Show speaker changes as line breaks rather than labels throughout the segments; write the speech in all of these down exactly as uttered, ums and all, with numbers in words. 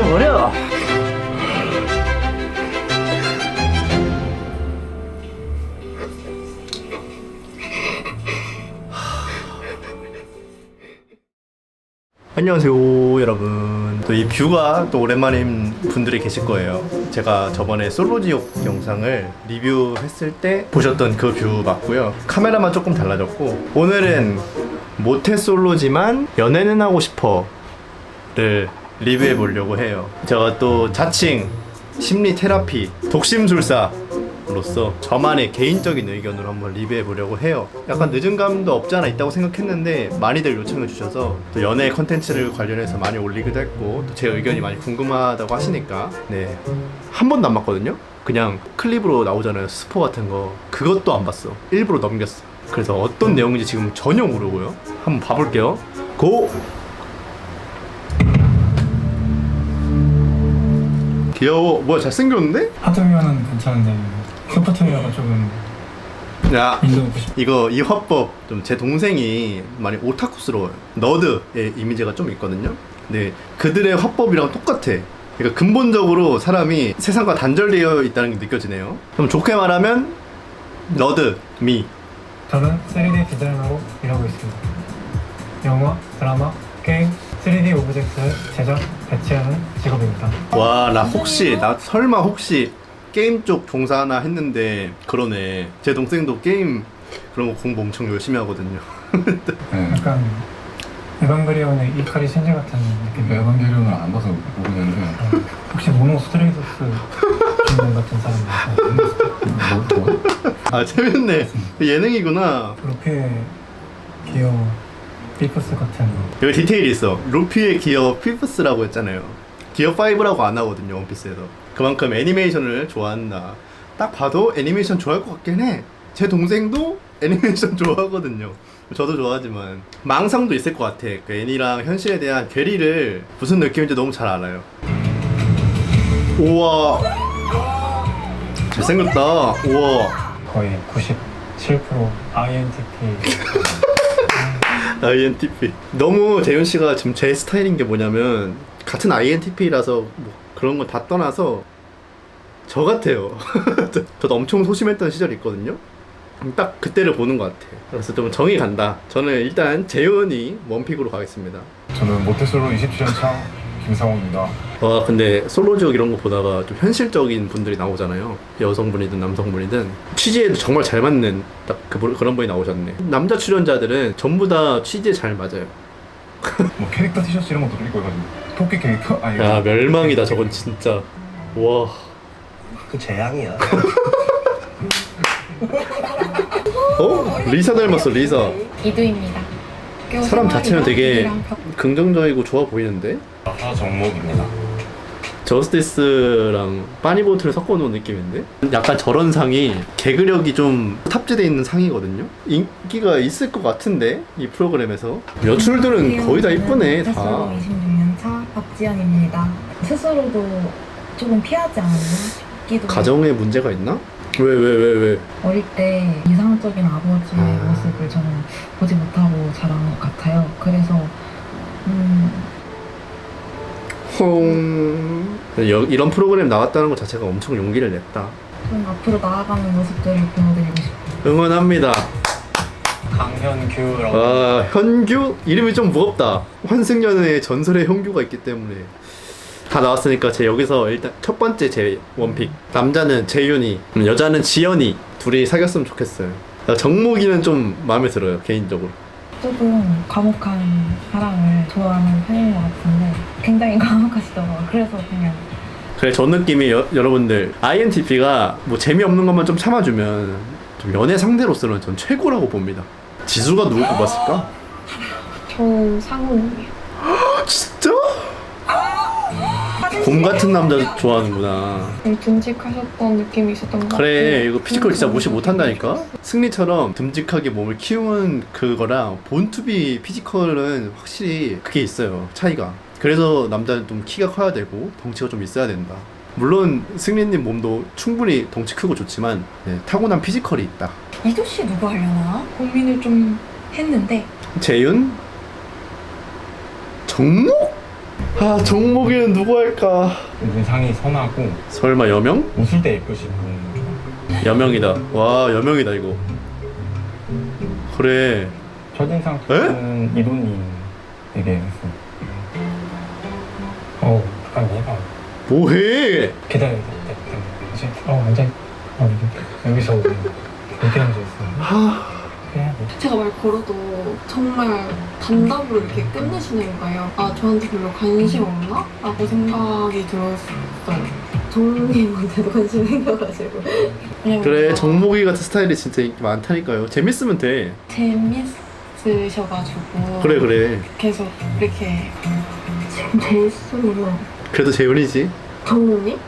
터져버려. 안녕하세요 여러분. 또 이 뷰가 또 오랜만인 분들이 계실 거예요. 제가 저번에 솔로지옥 영상을 리뷰했을 때 보셨던 그 뷰 맞고요. 카메라만 조금 달라졌고, 오늘은 모태솔로지만 연애는 하고 싶어를 리뷰해 보려고 해요. 제가 또 자칭 심리 테라피 독심술사 로서 저만의 개인적인 의견으로 한번 리뷰해 보려고 해요. 약간 늦은 감도 없지 않아 있다고 생각했는데 많이들 요청해 주셔서 또 연애 컨텐츠를 관련해서 많이 올리기도 했고, 또 제 의견이 많이 궁금하다고 하시니까 네, 한 번도 안 봤거든요. 그냥 클립으로 나오잖아요, 스포 같은 거. 그것도 안 봤어. 일부러 넘겼어. 그래서 어떤 내용인지 지금 전혀 모르고요. 한번 봐볼게요. 고! 귀여워. 뭐야, 잘생겼는데?
하드웨어는 괜찮은데 소프트웨어가 조금
야,
인도하고 싶어.
이거 이 화법 좀 제 동생이 많이 오타쿠스러워요. 너드의 이미지가 좀 있거든요. 근데 그들의 화법이랑 똑같아. 그러니까 근본적으로 사람이 세상과 단절되어 있다는 게 느껴지네요. 그럼 좋게 말하면 너드 미.
저는 쓰리디 디자이너로 일하고 있습니다. 영화, 드라마, 게임, 쓰리디 오브젝트를 제작, 배치하는 직업입니다.
와, 나 혹시 나 설마 혹시 게임 쪽 종사하나 했는데 그러네. 제 동생도 게임 그런 거 공부 엄청 열심히 하거든요.
네.
약간 에반게리온의 이카리 신지 같은 느낌.
에반게리온을 안 봐서 모르겠는데
혹시 모노 스트레이토스 주인공 같은 사람이 있어요?
뭐, 뭐?
아, 재밌네. 예능이구나.
루피의 기어 비프스 같은
여기 디테일이 있어. 루피의 기어 피프스라고 했잖아요. 기어 파이브라고 안 하거든요, 원피스에서. 그만큼 애니메이션을 좋아한다. 딱 봐도 애니메이션 좋아할 것 같긴 해. 제 동생도 애니메이션 좋아하거든요. 저도 좋아하지만 망상도 있을 것 같아. 그 애니랑 현실에 대한 괴리를 무슨 느낌인지 너무 잘 알아요. 우와, 잘생겼다. 우와.
거의 구십칠 퍼센트 아이엔티피.
아이엔티피. 너무 재윤씨가 지금 제 스타일인 게 뭐냐면, 같은 아이엔티피라서 뭐 그런 거 다 떠나서 저 같아요. 저도 엄청 소심했던 시절이 있거든요. 딱 그때를 보는 것 같아. 그래서 좀 정이 간다. 저는 일단 재윤이 원픽으로 가겠습니다.
저는 모태솔로 이십칠 년 차 김상호입니다.
와, 근데 솔로지옥 이런 거 보다가 좀 현실적인 분들이 나오잖아요. 여성분이든 남성분이든 취지에 정말 잘 맞는 딱 그, 그런 분이 나오셨네. 남자 출연자들은 전부 다 취지에 잘 맞아요.
뭐 캐릭터 티셔츠 이런 것도 입고 해가지고 토끼 캐릭터? 아니
야, 멸망이다 저건 진짜. 와.
그 재앙이야.
어? 리사 닮았어, 리사.
이두입니다.
사람 자체는 되게 긍정적이고 좋아 보이는데?
하정목입니다.
저스티스랑 빠니보트를 섞어놓은 느낌인데? 약간 저런 상이 개그력이 좀 탑재되어 있는 상이거든요? 인기가 있을 것 같은데? 이 프로그램에서. 여출들은 거의 다 이쁘네, 다.
이십육 년 차 박지연입니다. 스스로도 조금 피하지 않았나 싶기도
가정에 문제가 있나? 왜, 왜, 왜, 왜?
어릴 때 이상적인 아버지의
아.
모습을 저는 보지 못하고 자란 것 같아요. 그래서 음,
홍... 여, 이런 프로그램 나왔다는 것 자체가 엄청 용기를 냈다.
좀 앞으로 나아가는 모습들을 보여드리고 싶어요.
응원합니다.
강현규라고.
아, 현규? 이름이 좀 무겁다. 환승연의 전설의 현규가 있기 때문에. 다 나왔으니까 제 여기서 일단 첫 번째 제 원픽. 남자는 재윤이, 여자는 지연이. 둘이 사귀었으면 좋겠어요. 정목이는 좀 마음에 들어요, 개인적으로.
조금 과묵한 사람을 좋아하는 편인 것 같은데 굉장히 과묵하시더라고요. 그래서 그냥
그래, 저 느낌이 여, 여러분들 아이엔티피가 뭐 재미없는 것만 좀 참아주면 좀 연애 상대로서는 전 최고라고 봅니다. 지수가 누구 뽑았을까?
저 상훈이에요.
진짜? 곰 같은 남자 좋아하는구나.
듬직하셨던 느낌이 있었던 것 같아요.
그래, 이거 피지컬 진짜 무시 못한다니까? 승리처럼 듬직하게 몸을 키우는 그거랑 본투비 피지컬은 확실히 그게 있어요, 차이가. 그래서 남자는 좀 키가 커야 되고 덩치가 좀 있어야 된다. 물론 승리님 몸도 충분히 덩치 크고 좋지만 네, 타고난 피지컬이 있다.
이도씨 누구 하려나? 고민을 좀 했는데
재윤? 정목? 아 정목이는 누구 할까?
의상이 선하고
설마 여명?
웃을 때 예쁘신 분.
여명이다. 와 여명이다 이거. 그래.
첫인상 좋은 이도님 되게 했어.
어, 약간 얘가
뭐해?
기다려. 이제 어 완전 어 이제 여기서 이렇게 앉아있어.
하...
그래야 돼.
제가 말 걸어도 정말 단답으로 이렇게 끝내시는 거예요. 아, 저한테 별로 관심 없나? 라고 생각이 들었어요. 정님한테도 관심이 생겨가지고. 왜냐면
그래
뭔가
정목이 같은 스타일이 진짜 인기 많다니까요. 재밌으면 돼.
재밌으셔가지고.
그래 그래.
계속 이렇게. 지금 재밌으면.
그래도 재훈이지.
정님?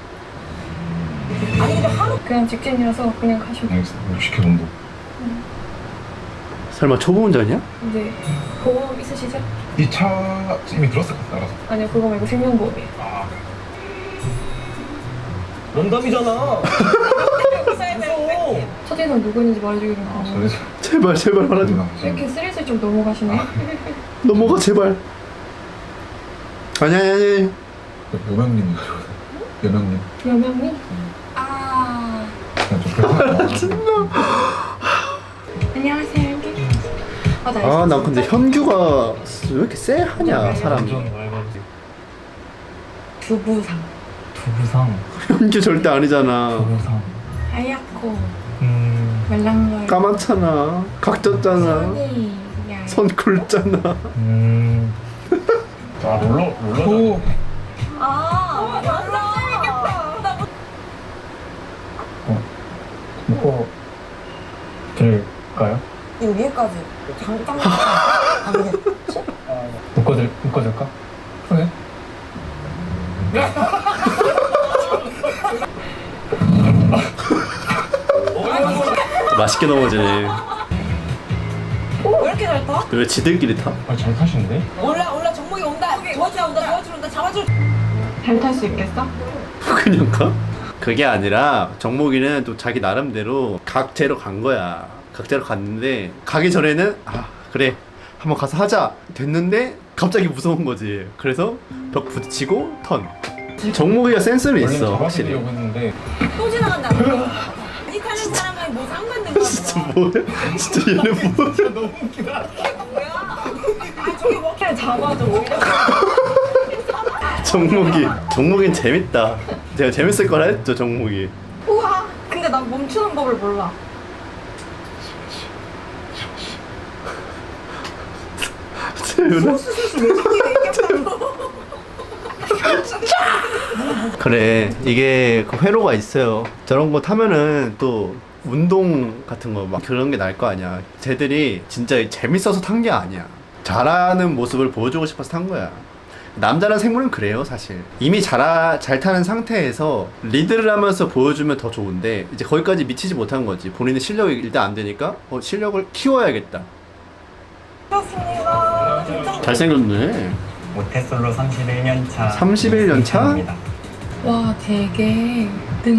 그냥 직진이어서 그냥 가시고
알겠어. 육십 회 정도.
설마 초보 운전이야?
이제 보험 있으시죠?
이 차 이미 들었을 것 같아. 알아서.
아니요 그거 말고 생명보험이에요.
아,
런담이잖아.
첫인상 누구 있는지 말해주기로
아,
하고
sorry.
제발 제발 말하지 마.
이렇게 스릴슬쩍 넘어가시네.
넘어가 제발. 아니 아니 아니.
여명님이 여명님.
여명님?
아.
그냥 좀 그래서.
안녕하세요, 여기. 아, 나
아 난 근데 현규가 왜 이렇게 쎄하냐 사람이.
완전 맑아지.
두부상.
두부상.
현규 절대 아니잖아.
두부상.
하얗고
음.
말랑말.
까맣잖아. 각졌잖아.
손이 얇.
선 굵잖아.
음.
아 롤러 롤러.
아, 맞아.
묶어 드릴까요?
이 위에까지. 잠깐만. 아니겠지?
묶어줄 묶어줄까? 그래.
맛있게 넘어지네.
왜 이렇게 잘 타?
왜 지들끼리 타?
아잘 타시는데?
올라 올라 정목이 온다. 도와주러 온다. 도와주러 온다. 잡아줘. 잘 탈 수 있겠어?
그냥 가? 그게 아니라 정목이는 또 자기 나름대로 각제로 간 거야. 각제로 갔는데 가기 전에는 아 그래 한번 가서 하자 됐는데 갑자기 무서운 거지. 그래서 벽 부딪히고 턴. 정목이가 센스는
원래
있어 확실히.
잡아주려고 했는데
또 지나간다. 이 타는 사람은 뭐 상관는 거야.
진짜 뭐야? 진짜 얘는 뭐야?
너무 웃기다.
아, 저기 먹기를 잡아줘.
정목이 정목이는 재밌다. 제가 재밌을 거라 했죠 정목이.
우와. 근데 난 멈추는 법을 몰라.
재훈아. 그래 이게 그 회로가 있어요. 저런 거 타면은 또 운동 같은 거 막 그런 게 날 거 아니야. 쟤들이 진짜 재밌어서 탄 게 아니야. 잘하는 모습을 보여주고 싶어서 탄 거야. 남자란 생물은 그래요 사실. 이미 잘, 잘 타는 상태에서 리드를 하면서 보여주면 더 좋은데 이제 거기까지 미치지 못한 거지. 본인의 실력이 일단 안 되니까 어, 실력을 키워야겠다. 잘생겼네.
모태솔로 삼십일 년 차
삼십일 년 차?
이승찬입니다.
와 되게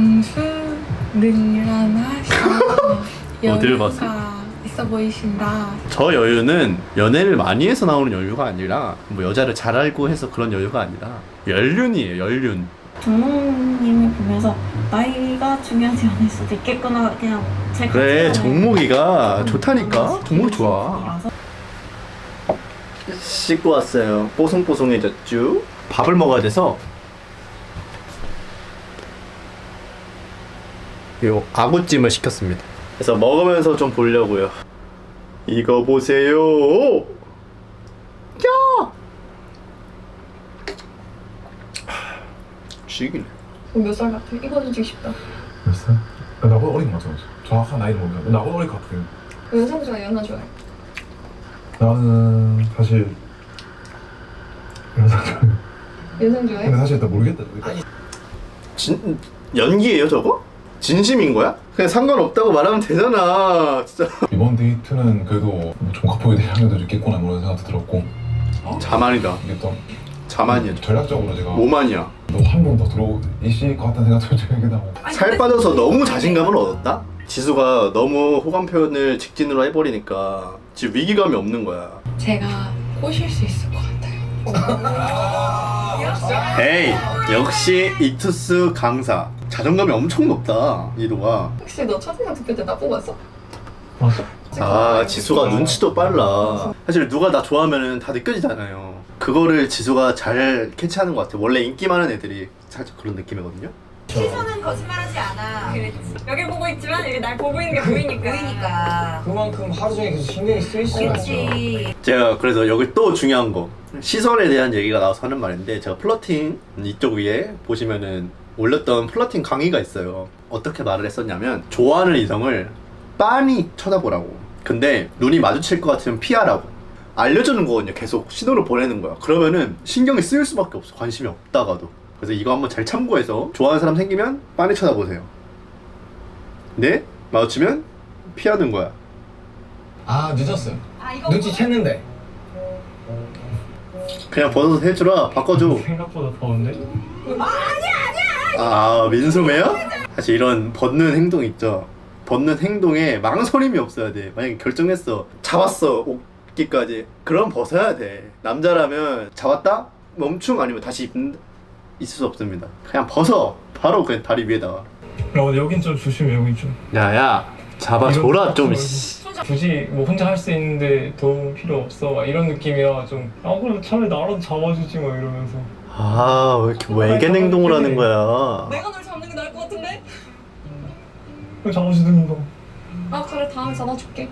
능수능란하시고
어딜 봤어?
여유가 있어 보이신다.
저 여유는 연애를 많이 해서 나오는 여유가 아니라 뭐 여자를 잘 알고 해서 그런 여유가 아니라 연륜이에요 연륜.
정모님을 보면서 나이가 중요하지 않을 수도 있겠구나 그냥 제
그래
가치관을
정목이가
좀
좋다니까.
그런
정목이
식으로
좋아.
알아서
씻고 왔어요. 뽀송뽀송해졌죠. 밥을 먹어야 돼서 요 아구찜을 시켰습니다. 그래서 먹으면서 좀 보려고요. 이거 보세요. 야! 죽이네.
몇 살 같아? 이거 주고 싶다.
몇 살? 나보다 어린 것 같아. 정확한 나이는 모르겠는데 나보다 어린 것 같아.
연상 좋아해? 연하 좋아해?
나는 사실 연상 좋아해.
연상 좋아해?
근데 사실 나 모르겠다.
진 연기예요 저거? 진심인 거야? 그냥 상관없다고 말하면 되잖아. 진짜.
이번 데이트는 그래도 뭐 종합하게 될 향유도 있겠구나 뭐 이런 생각도 들었고
자만이다.
이게 또
자만이야.
전략적으로 제가
오만이야.
너 한 번 더 들어오실 것 같다는 생각도 들긴 하고.
살 빠져서 너무 자신감을 얻었다? 지수가 너무 호감 표현을 직진으로 해버리니까 지금 위기감이 없는 거야.
제가 꼬실 수 있을 것 같아요.
에이 역시 이투스 강사. 자존감이 엄청 높다 이도가.
혹시 너 첫인상 투표 때 나 뽑았어?
맞아.
아 지수가 눈치도 빨라. 사실 누가 나 좋아하면 다 느껴지잖아요. 그거를 지수가 잘 캐치하는 것 같아. 원래 인기 많은 애들이 살짝 그런 느낌이거든요.
시선은 거짓말하지 않아. 그렇지. 여기 보고 있지만 이게 날 보고 있는 게 보이니까. 보이니까.
그만큼 하루 종일 계속 신경이 쓰일 수가 있어.
그렇지.
제가 그래서 여기 또 중요한 거 시선에 대한 얘기가 나와서 하는 말인데, 제가 플러팅 이쪽 위에 보시면은 올렸던 플러팅 강의가 있어요. 어떻게 말을 했었냐면 좋아하는 이성을 빤히 쳐다보라고. 근데 눈이 마주칠 것 같으면 피하라고 알려주는 거거든요. 계속 신호를 보내는 거야. 그러면은 신경이 쓰일 수밖에 없어, 관심이 없다가도. 그래서 이거 한번 잘 참고해서 좋아하는 사람 생기면 빤히 쳐다보세요. 네? 마주치면 피하는 거야.
아 늦었어요.
아 이거
눈치챘는데.
그냥 벗어서 해주라. 바꿔줘.
생각보다 더운데?
아 민소매야? 사실 이런 벗는 행동 있죠. 벗는 행동에 망설임이 없어야 돼. 만약에 결정했어, 잡았어 옷기까지, 그럼 벗어야 돼. 남자라면 잡았다? 멈춤 아니면 다시 입는 있을 수 없습니다. 그냥 벗어. 바로 그냥 다리 위에다가.
어 여긴 좀 조심해. 여긴 좀.
야야 잡아줘라 좀.
굳이 뭐 혼자 할 수 있는데 도움 필요 없어 막 이런 느낌이라 좀, 아 그럼 차라리 나라도 잡아주지 막 이러면서.
아 왜 이렇게 외계 행동을 하는 거야.
내가 널 잡는 게 나을 것 같은데?
왜 잡아주든가.
아 그래 다음에 잡아줄게.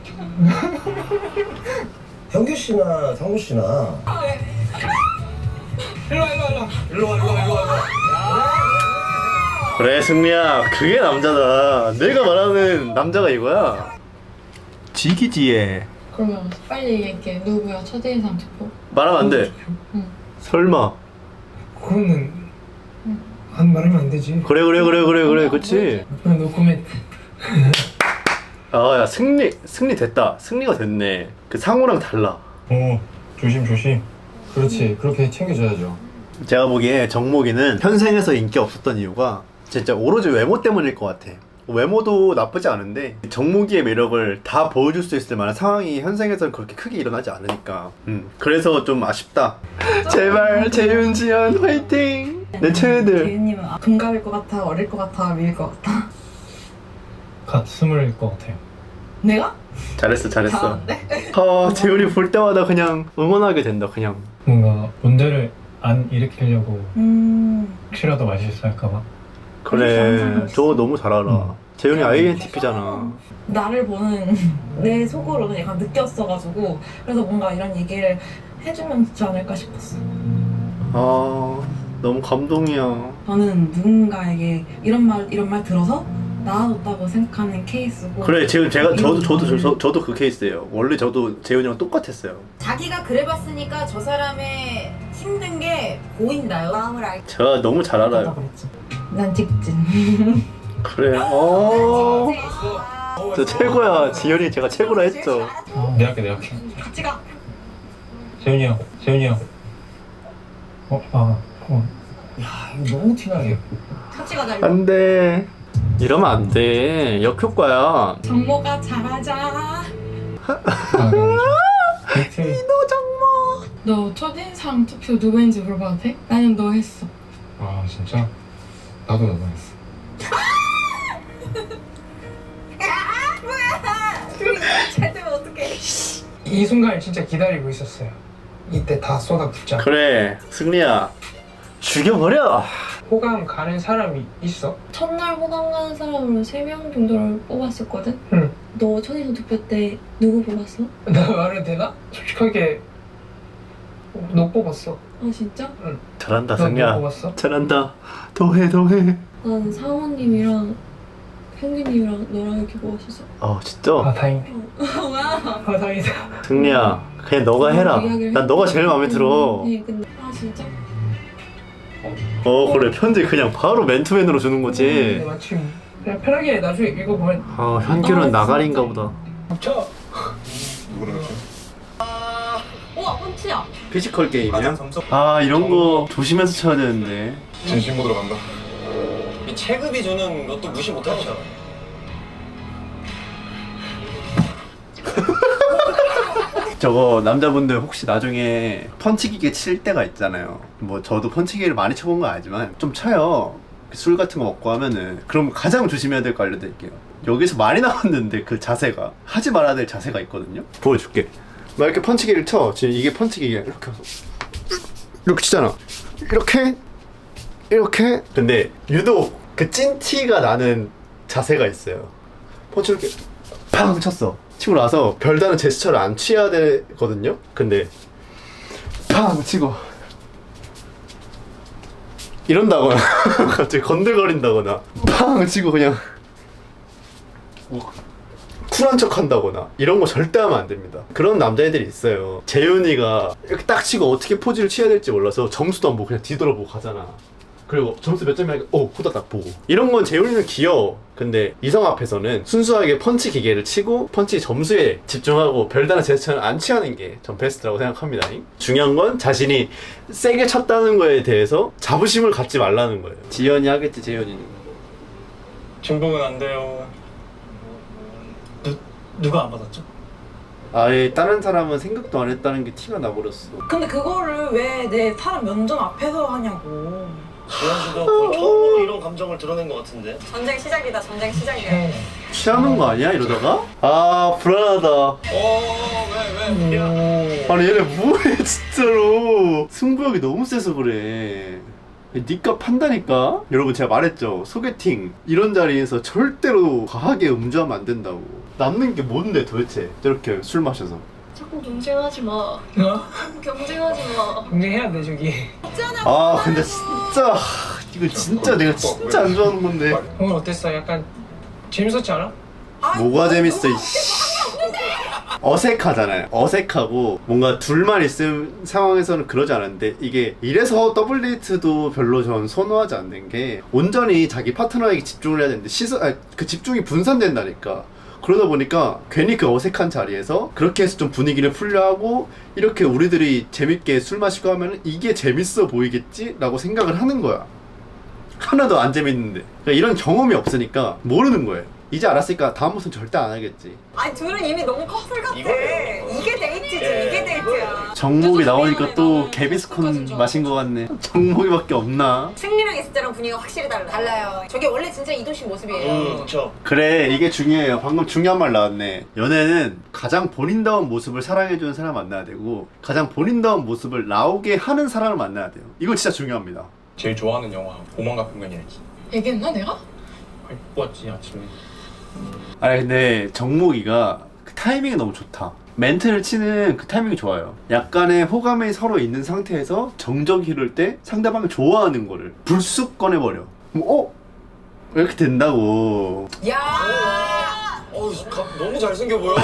현규 씨나 상구 씨나
일로와 일로와 일로와. 일로와 일로와 일로와.
그래 승리야, 그게 남자다. 내가 말하는 남자가 이거야. 지기지에
그러면 빨리 얘기해. 누구야 첫인상 투표?
말하면 안 돼.
응.
설마.
그거는 안 말하면 안 되지.
그래 그래 그래 그래 그래 그치.
노코멘트.
아야 승리 승리 됐다. 승리가 됐네. 그 상호랑 달라.
어 조심 조심. 그렇지 그렇게 챙겨줘야죠.
제가 보기에 정목이는 현생에서 인기 없었던 이유가 진짜 오로지 외모 때문일 것 같아. 외모도 나쁘지 않은데 정목이의 매력을 다 보여줄 수 있을 만한 상황이 현생에서는 그렇게 크게 일어나지 않으니까. 음 그래서 좀 아쉽다. 제발 재윤 지연 화이팅. 내 최애들.
재윤님은 동갑일 것 같아, 어릴 것 같아, 미일 것 같아?
갓 스물일 것 같아요.
내가?
잘했어 잘했어.
잘하는데?
아 재윤이 볼 때마다 그냥 응원하게 된다. 그냥.
뭔가 문제를 안 일으키려고
음...
혹시라도 말실수할까봐.
그래 저거 너무 잘 알아.
음.
재윤이 아이엔티피잖아.
나를 보는 내 속으로는 약간 느꼈어가지고 그래서 뭔가 이런 얘기를 해주면 좋지 않을까 싶었어.
아 너무 감동이야.
저는 누군가에게 이런 말 이런 말 들어서 나아졌다고 생각하는 케이스고.
그래 지금 제가 저도 저도 저, 저도 그 케이스예요. 원래 저도 재윤이랑 똑같았어요.
자기가 그래봤으니까 저 사람의 힘든 게 보인다요. 마음을 알.
제가 너무 잘 알아요.
난 직진.
그래. 어. 저 최고야. 지현이 제가 최고라 했죠.
내 할게 내 할게.
같이 가.
재윤이 형 재윤이 형. 어? 아 어.
야 이거 너무 티나게.
같이 가자. 이거.
안 돼. 이러면 안 돼. 역효과야.
정모가 잘하자.
아 그래.
너 첫인상 투표 누구인지 물어봐도 돼? 나는 너 했어.
아 진짜? 나도 나도 했어.
잘 되면 어떡해.
이 순간을 진짜 기다리고 있었어요. 이때 다 쏟아붓자.
그래. 승리야. 죽여버려.
호감 가는 사람이 있어?
첫날 호감 가는 사람으로 세 명 정도를 뽑았었거든?
응.
너 첫인상 투표 때 누구 뽑았어?
나 말해도 되나? 솔직하게 너 뽑았어.
아 진짜?
잘한다
너, 너
승리야.
뽑았어?
잘한다. 더해 더해.
난 상원님이랑 현규님이랑 너랑 이렇게 뽑았었어.
어 진짜.
아 다행이네.
와.
아 다행이다.
승리야. 그냥 너가 해라.
이야기를
난 너가 제일 마음에 들어.
네, 근데 아 진짜?
어 그래 편지 그냥 바로 맨투맨으로 주는
네,
거지.
마침 그냥 편하게 나중에 읽어보면.
아 현규는 나가린가 보다.
저
누구랑 같이?
우와 펀치야.
피지컬 게임이야? 아 이런 거 조심해서 쳐야 되는데.
진심 모드로 간다.
이 체급이 주는 것도 무시 못하잖아.
저거 남자분들 혹시 나중에 펀치기계 칠 때가 있잖아요. 뭐 저도 펀치기를 많이 쳐본 건 아니지만 좀 쳐요. 술 같은 거 먹고 하면은. 그럼 가장 조심해야 될 거 알려드릴게요. 여기서 많이 나왔는데 그 자세가 하지 말아야 될 자세가 있거든요. 보여줄게. 막 이렇게 펀치기를 쳐. 지금 이게 펀치기계야. 이렇게 해서 이렇게 치잖아. 이렇게 이렇게. 근데 유독 그 찐티가 나는 자세가 있어요. 펀치 이렇게 팡 쳤어. 치고 나서 별다른 제스처를 안 취해야 되거든요. 근데 팡 치고 이런다거나 갑자기 건들거린다거나 팡 치고 그냥 뭐 쿨한 척 한다거나 이런 거 절대 하면 안 됩니다. 그런 남자애들이 있어요. 재윤이가 이렇게 딱 치고 어떻게 포즈를 취해야 될지 몰라서 점수도 안 보고 그냥 뒤돌아보고 가잖아. 그리고 점수 몇 점이야? 어, 후다닥 보고. 이런 건 재윤이는 귀여워. 근데 이성 앞에서는 순수하게 펀치 기계를 치고 펀치 점수에 집중하고 별다른 제스처를 안 취하는 게 전 베스트라고 생각합니다. 중요한 건 자신이 세게 쳤다는 거에 대해서 자부심을 갖지 말라는 거예요. 지연이 하겠지, 재현이는.
중복은 안 돼요. 누, 누가 안 받았죠?
아예 다른 사람은 생각도 안 했다는 게 티가 나버렸어.
근데 그거를 왜 내 사람 면전 앞에서 하냐고.
지현 씨도 거의 처음으로 이런 감정을 드러낸 것 같은데.
전쟁 시작이다. 전쟁 시작이야.
취하는 거 아니야 이러다가? 아 불안하다.
어왜왜 왜?
아니 얘네 뭐해 진짜로. 승부욕이 너무 세서 그래. 니값 판다니까? 여러분 제가 말했죠. 소개팅 이런 자리에서 절대로 과하게 음주하면 안 된다고. 남는 게 뭔데 도대체 저렇게 술 마셔서.
자꾸 경쟁하지 마.
어?
경쟁하지 마.
경쟁해야 돼 저기.
아 근데 진짜 이거 진짜 내가 진짜 안 좋아하는 건데.
오늘 어땠어? 약간 재밌었지 않아?
뭐가 재밌어 이씨. 어색하잖아요. 어색하고 뭔가 둘만 있을 상황에서는 그러지 않은데 이게 이래서 더블 데이트도 별로 전 선호하지 않는 게 온전히 자기 파트너에게 집중을 해야 되는데 시선, 아니, 그 집중이 분산된다니까. 그러다 보니까 괜히 그 어색한 자리에서 그렇게 해서 좀 분위기를 풀려하고 이렇게 우리들이 재밌게 술 마시고 하면 이게 재밌어 보이겠지? 라고 생각을 하는 거야. 하나도 안 재밌는데. 그러니까 이런 경험이 없으니까 모르는 거예요. 이제 알았으니까 다음부터는 절대 안 하겠지.
아니 둘은 이미 너무 커플 같아.
이거예요.
이게 데이트지.
예.
이게 데이트야.
정목이 나오니까 또 개비스콘 마신 것 같네. 정목이밖에 없나?
승리랑 있을 때랑 분위기가 확실히 달라. 달라요. 저게 원래 진짜 이도신 모습이에요.
음 그렇죠.
그래 이게 중요해요. 방금 중요한 말 나왔네. 연애는 가장 본인다운 모습을 사랑해주는 사람 만나야 되고 가장 본인다운 모습을 나오게 하는 사람을 만나야 돼요. 이거 진짜 중요합니다.
제일 좋아하는 영화 오만과 편견이야지.
얘기했나 내가?
봤지 아침에.
아니 근데 정목이가 그 타이밍이 너무 좋다. 멘트를 치는 그 타이밍이 좋아요. 약간의 호감이 서로 있는 상태에서 정적이 흐를 때 상대방을 좋아하는 거를 불쑥 꺼내버려. 그럼 어? 왜 이렇게 된다고.
야.
어우 가- 너무 잘생겨 보여.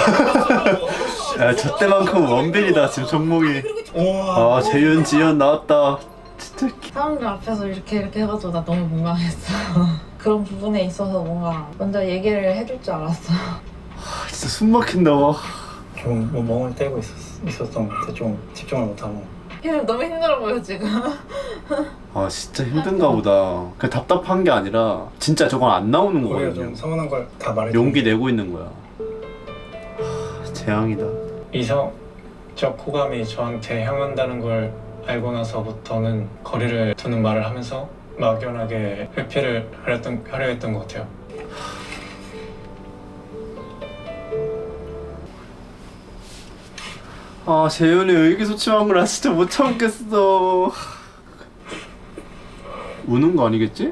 야, 저 때만큼 원빈이다 지금 정목이. 아 재윤 지연 나왔다. 진짜.
사람들 앞에서 이렇게 이렇게 해가지고 나 너무 민망했어. 그런 부분에 있어서 뭔가 먼저 얘기를 해줄 줄 알았어.
아, 진짜 숨 막힌다.
좀 뭐 멍을 때고 있었, 있었던 것 같아. 좀 집중을 못하고.
너무 힘들어 보여 지금.
아 진짜 힘든가 보다. 그냥 답답한 게 아니라 진짜 저건 안 나오는
오히려
거거든요.
좀 서운한 걸 다 말해.
용기 내고 있는 거야. 하, 재앙이다.
이성적 호감이 저한테 향한다는 걸 알고 나서부터는 거리를 두는 말을 하면서 막연하게 회피를 하렸던, 하려 했던 것 같아요.
아 재윤이 의기소침한 걸 나 진짜 못 참겠어. 우는 거 아니겠지?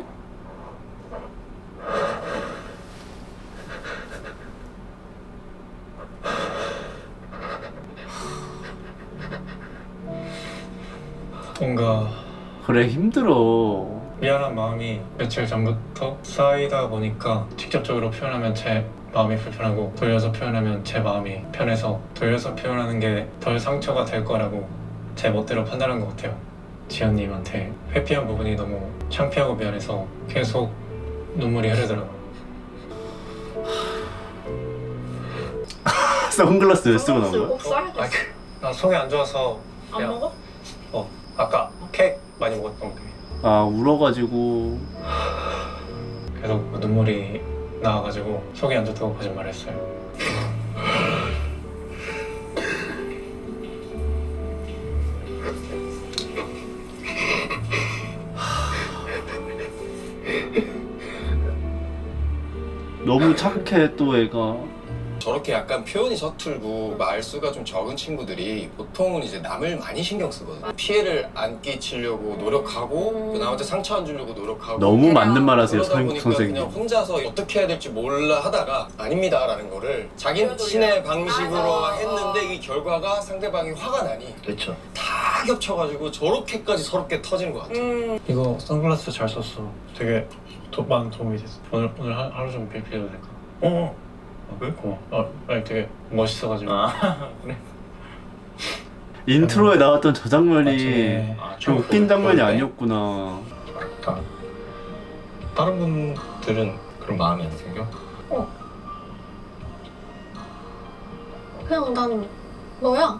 뭔가
그래 힘들어.
미안한 마음이 며칠 전부터 쌓이다 보니까 직접적으로 표현하면 제 마음이 불편하고 돌려서 표현하면 제 마음이 편해서 돌려서 표현하는 게 덜 상처가 될 거라고 제 멋대로 판단한 것 같아요. 지연님한테 회피한 부분이 너무 창피하고 미안해서 계속 눈물이 흐르더라고요.
선글라스 왜 쓰고 나온 거야?
꼭 써야 돼.
아, 그, 나 속이 안 좋아서
안
그냥-
먹어?
어 아까 케이크 많이 먹었던 게
아 울어가지고.
계속 눈물이 나와가지고 속이 안 좋다고 거짓말했어요.
너무 착해 또 애가.
저렇게 약간 표현이 서툴고 말수가 좀 적은 친구들이 보통은 이제 남을 많이 신경 쓰거든요. 피해를 안 끼치려고 노력하고 그 남한테 상처 안 주려고 노력하고
너무 맞는 말 하세요,
그러다
선-
보니까
선생님.
그냥 혼자서 어떻게 해야 될지 몰라 하다가 아닙니다라는 거를 자기신의 방식으로
맞아.
했는데 이 결과가 상대방이 화가 나니
그렇죠.
다 겹쳐가지고 저렇게까지 서럽게 터지는 것 같아요.
음.
이거 선글라스 잘 썼어. 되게 도, 많은 도움이 됐어. 오늘 오늘 하, 하루 종일 빌려도 될까?
어.
아, 왜? 고마워. 아, 아니 되게 멋있어가지고. 그래.
인트로에 나왔던 저 장면이
아,
좀 웃긴 장면이 아니었구나.
다, 다른 분들은 그런 마음이 안 생겨?
그냥 난 너야.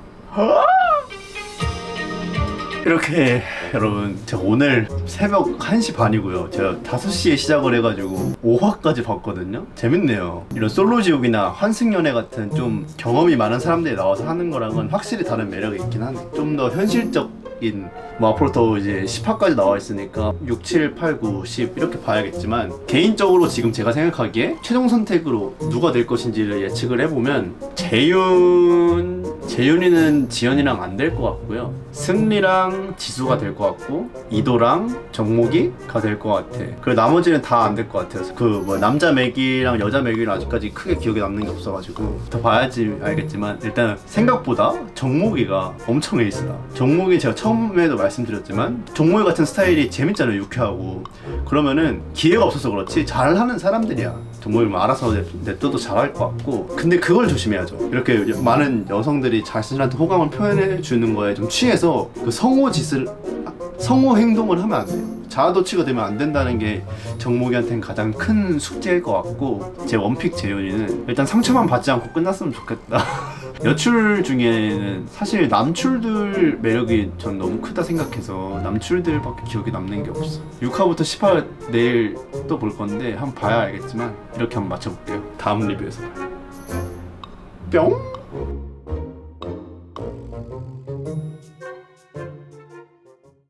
이렇게 여러분 제가 오늘 새벽 한 시 반이고요. 제가 다섯 시에 시작을 해가지고 오 화까지 봤거든요. 재밌네요. 이런 솔로지옥이나 환승연애 같은 좀 경험이 많은 사람들이 나와서 하는 거랑은 확실히 다른 매력이 있긴 하네. 좀 더 현실적인, 뭐 앞으로 더 이제 십 화까지 나와 있으니까 육, 칠, 팔, 구, 십 이렇게 봐야겠지만, 개인적으로 지금 제가 생각하기에 최종 선택으로 누가 될 것인지를 예측을 해보면 재윤 재윤이는 지연이랑 안 될 것 같고요. 승리랑 지수가 될 것 같고, 이도랑 정목이가 될 것 같아. 그리고 나머지는 다 안 될 것 같아요. 그 뭐 남자 맥이랑 여자 맥이는 아직까지 크게 기억에 남는 게 없어가지고 더 봐야지 알겠지만, 일단 생각보다 정목이가 엄청 에이스다. 정목이 제가 처음에도 말씀드렸지만 정목이 같은 스타일이 재밌잖아요. 유쾌하고. 그러면은 기회가 없어서 그렇지 잘하는 사람들이야. 정목이 뭐 알아서 냅둬도 잘할 것 같고. 근데 그걸 조심해야죠. 이렇게 많은 여성들이 자신한테 호감을 표현해 주는 거에 좀 취해서 그 성호 짓을 성호 행동을 하면 안 돼요. 자아도취가 되면 안 된다는 게 정목이한테는 가장 큰 숙제일 것 같고, 제 원픽 재윤이는 일단 상처만 받지 않고 끝났으면 좋겠다. 여출 중에는 사실 남출들 매력이 전 너무 크다 생각해서 남출들밖에 기억에 남는 게 없어. 육 화부터 십 화 내일 또 볼 건데 한번 봐야 알겠지만, 이렇게 한번 맞춰볼게요. 다음 리뷰에서 봐요. 뿅!